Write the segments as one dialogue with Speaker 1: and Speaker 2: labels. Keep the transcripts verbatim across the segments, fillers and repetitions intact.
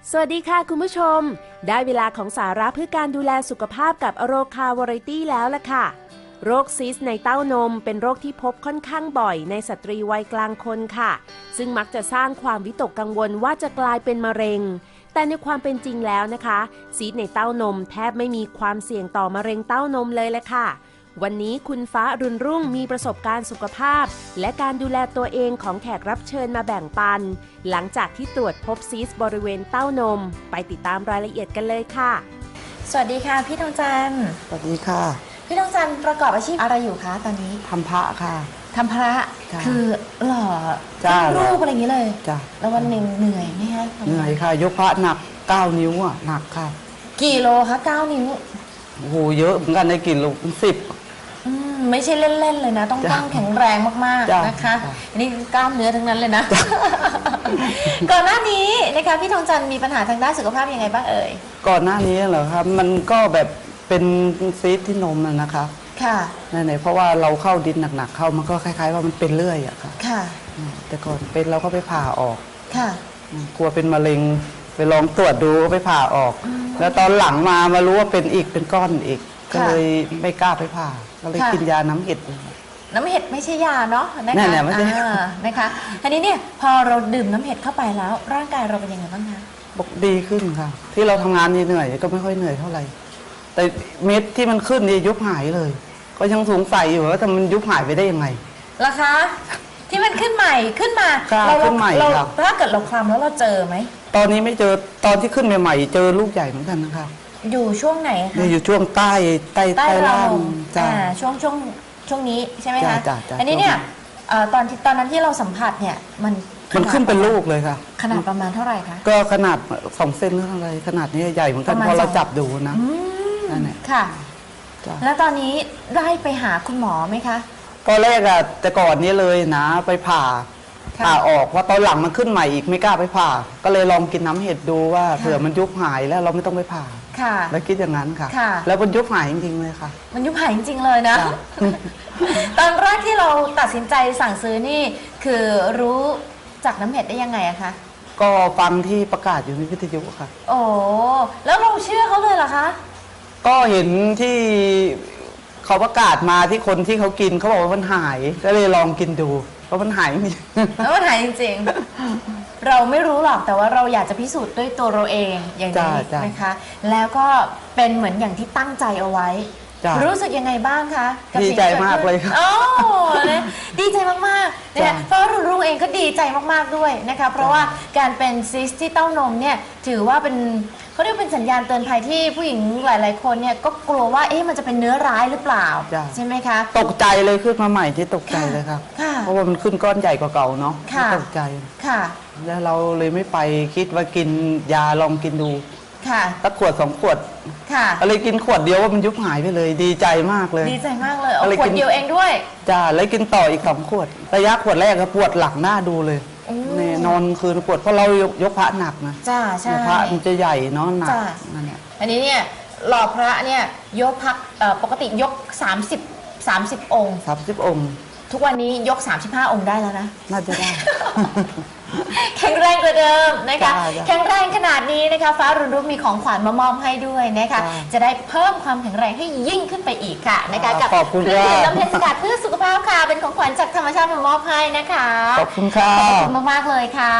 Speaker 1: สวัสดีค่ะคุณผู้ชมได้เวลาของสาระเพื่อการดูแลสุขภาพกับอโรคาวาไรตี้แล้วล่ะค่ะโรคซิสในเต้านมเป็นโรคที่พบค่อนข้างบ่อยในสตรีวัยกลางคนค่ะซึ่งมักจะสร้างความวิตกกังวลว่าจะกลายเป็นมะเร็งแต่ในความเป็นจริงแล้วนะคะซีสในเต้านมแทบไม่มีความเสี่ยงต่อมะเร็งเต้านมเลยแหละค่ะวันนี้คุณฟ้าอรุณรุ่งมีประสบการณ์สุขภาพและการดูแลตัวเองของแขกรับเชิญมาแบ่งปันหลังจากที่ตรวจพบซีสบริเวณเต้านมไปติดตามรายละเอียดกันเลยค่ะ
Speaker 2: สวัสดีค่ะพี่ทองจันทร์
Speaker 3: สวัสดีค่ะ
Speaker 2: พี่ทองจันทร์ประกอบอาชีพอะไรอยู่คะตอนนี้
Speaker 3: ทำพระค่ะ
Speaker 2: ทำพระคือหล่อรูปอะไรอย่างนี้เลย
Speaker 3: จ้ะ
Speaker 2: แล้ววันหนึ่งเหนื่อยไหมคะ
Speaker 3: เหนื่อยค่ะยกพระหนักเก้านิ้วอ่ะหนักค่ะ
Speaker 2: กี่โลคะเก้านิ้ว
Speaker 3: โอ้โหเยอะเหมือนกันในกี่โลสิบ
Speaker 2: ไม่ใช่เล่นๆเลยนะต้องต้องแข็งแรงมากๆนะคะอันนี้กล้ามเนื้อทั้งนั้นเลยนะก่อนหน้านี้นะคะพี่ทองจันทร์มีปัญหาทางด้านสุขภาพยังไงบ้างเอ่ย
Speaker 3: ก่อนหน้านี้เหรอครับมันก็แบบเป็นซีสที่นมนะคะ
Speaker 2: ค่ะ
Speaker 3: ไหนๆเพราะว่าเราเข้าดินหนักๆเข้ามันก็คล้ายๆว่ามันเป็นเรื่อยอะค่ะ
Speaker 2: ค่ะ
Speaker 3: แต่ก่อนเป็นเราก็ไปผ่าออก
Speaker 2: ค่ะ
Speaker 3: กลัวเป็นมะเร็งไปลองตรวจดูไปผ่าออกแล้วตอนหลังมามารู้ว่าเป็นอีกเป็นก้อนอีกก็เลยไม่กล้าไปผ่าก็เลยกินยาน้ำเห็ด
Speaker 2: น้ำเห็ดไม่ใช่ยาเนาะนะคะนะคะทีนี้เนี่ยพอเราดื่มน้ำเห็ดเข้าไปแล้วร่างกายเราเป็นยังไงบ้างคะ
Speaker 3: บอกดีขึ้นค่ะที่เราทำงานเหนื่อยก็ไม่ค่อยเหนื่อยเท่าไหร่แต่เม็ดที่มันขึ้นนี่ยุบหายเลยก็ยังสงสัยอยู่ว่าทำมันยุบหายไปได้ยังไง
Speaker 2: ล่ะคะที่มันขึ้นใหม่ขึ้นมา
Speaker 3: เราขึ้นใหม่
Speaker 2: เราถ้าเกิดเราคลำแล้วเราเจอไหม
Speaker 3: ตอนนี้ไม่เจอตอนที่ขึ้นใหม่ๆเจอลูกใหญ่เหมือนกันนะคะ
Speaker 2: อยู่ช่วงไหนคะ
Speaker 3: อยู่ช่วงใต้ใต้
Speaker 2: ใต้
Speaker 3: ล่าง
Speaker 2: จ้าช่วงช่วงช่วงนี้ใช่ไหมคะ
Speaker 3: อั
Speaker 2: นนี้เนี่ยตอนที่ตอนนั้นที่เราสัมผัสเนี่ยมัน
Speaker 3: มันขึ้นเป็นลูกเลยค่ะ
Speaker 2: ขนาดประมาณเท่าไหร่คะ
Speaker 3: ก็ขนาดสองเซนหรืออะไรขนาดนี้ใหญ่เหมือนกันพอเราจับดูนะ
Speaker 2: นั่นแหละค่ะแล้วตอนนี้ได้ไปหาคุณหมอไหมคะ
Speaker 3: ตอนแรกอะแต่ก่อนนี้เลยนะไปผ่าผ่าออกว่าตอนหลังมันขึ้นใหม่อีกไม่กล้าไปผ่าก็เลยลองกินน้ำเห็ดดูว่าเผื่อมันยุบหายแล้วเราไม่ต้องไปผ่า
Speaker 2: ค่ะ
Speaker 3: แล้วคิดอย่างนั้นค่ะแล้วมันยุบหายจริงๆเลยค่ะ
Speaker 2: มันยุบหายจริงๆเลยนะตอนแรกที่เราตัดสินใจสั่งซื้อนี่คือรู้จากน้ำเห็ดได้ยังไงอะคะ
Speaker 3: ก็ฟังที่ประกาศอยู่ในวิทยุค่ะ
Speaker 2: โอ้แล้วเราเชื่อเขาเลยเหรอคะ
Speaker 3: ก็เห็นที่เขาประกาศมาที่คนที่เขากินเขาบอกว่ามันหายก็เลยลองกินดูเพราะมันหายจริง
Speaker 2: แล้วมันหายจริงๆเราไม่รู้หรอกแต่ว่าเราอยากจะพิสูจน์ด้วยตัวเราเองอย่างนี้นะคะแล้วก็เป็นเหมือนอย่างที่ตั้งใจเอาไว้รู้สึกยังไงบ้างคะ
Speaker 3: ดีใจมากเลยค่ะ
Speaker 2: โอ้ดีใจมากๆนะคะเพราะรุ่นรุ่งเองก็ดีใจมากๆด้วยนะคะเพราะว่าการเป็นซิสที่เต้านมเนี่ยถือว่าเป็นเขาเรียกเป็นสัญญาณเตือนภัยที่ผู้หญิงหลายๆคนเนี่ยก็กลัวว่าเอ๊ะมันจะเป็นเนื้อร้ายหรือเปล่าใช่ไหมคะ
Speaker 3: ตกใจเลยขึ้นมาใหม่ที่ตกใจเลยครับเพราะว่ามันขึ้นก้อนใหญ่กว่าเก่าเนาะตกใจ
Speaker 2: ค่ะ
Speaker 3: แล้วเราเลยไม่ไปคิดว่ากินยาลองกินดู
Speaker 2: ค่ะ
Speaker 3: สักขวดสองขวด
Speaker 2: ค่ะ
Speaker 3: ก็เลยกินขวดเดียวว่ามันยุบหายไปเลยดีใจมากเลย
Speaker 2: ดีใจมากเลยเอาขวดเดียวเองด้วย
Speaker 3: จ้าแล้วกินต่ออีกสองขวดระยะขวดแรกก็ปวดหลังหน้าดูเลยเนี่ยนอนคืนปวดเพราะเรายกยกพระหนักนะ
Speaker 2: จ้าใช่
Speaker 3: พระมันจะใหญ่เนาะหนักนั่นแหละ
Speaker 2: อันนี้เนี่ยหล่อพระเนี่ยยกพักปกติยกสามสิบ สามสิบองค์
Speaker 3: สามสิบองค์
Speaker 2: ทุกวันนี้ยกสามสิบห้าองค์ได้แล้วนะ
Speaker 3: น่าจะได้
Speaker 2: แข็งแรงกว่าเดิมนะคะแข็งแรงขนาดนี้นะคะฟ้ารุ่นรุ่งมีของขวัญมามอบให้ด้วยนะคะจะได้เพิ่มความแข็งแรงให้ยิ่งขึ้นไปอีกค่ะนะคะกับ
Speaker 3: เครื่อง
Speaker 2: ดื่มน้ำเพชรสกัดเพื่อสุขภาพค่ะเป็นของขวัญจากธรรมชาติมามอบให้นะคะ
Speaker 3: ขอบคุณค่ะ
Speaker 2: ขอบคุณมากๆเลยค่ะ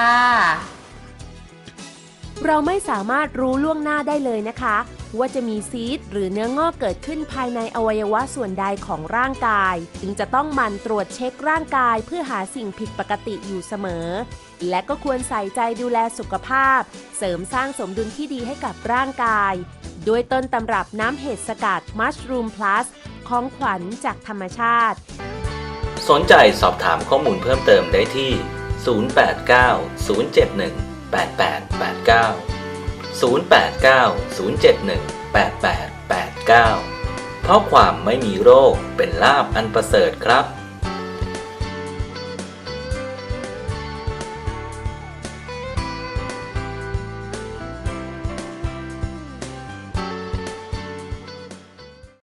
Speaker 1: เราไม่สามารถรู้ล่วงหน้าได้เลยนะคะว่าจะมีซีสต์หรือเนื้องอกเกิดขึ้นภายในอวัยวะส่วนใดของร่างกายจึงจะต้องหมั่นตรวจเช็คร่างกายเพื่อหาสิ่งผิดปกติอยู่เสมอและก็ควรใส่ใจดูแลสุขภาพเสริมสร้างสมดุลที่ดีให้กับร่างกายโดยต้นตำรับน้ำเห็ดสกัด Mushroom Plus ของขวัญจากธรรมชาติ
Speaker 4: สนใจสอบถามข้อมูลเพิ่มเติมได้ที่ศูนย์ แปด เก้า ศูนย์ เจ็ด หนึ่ง แปด แปด แปด เก้า ศูนย์ แปด เก้า ศูนย์ เจ็ด หนึ่ง แปด แปด แปด เก้าเพราะความไม่มีโรคเป็นลาภอันประเสริฐครับ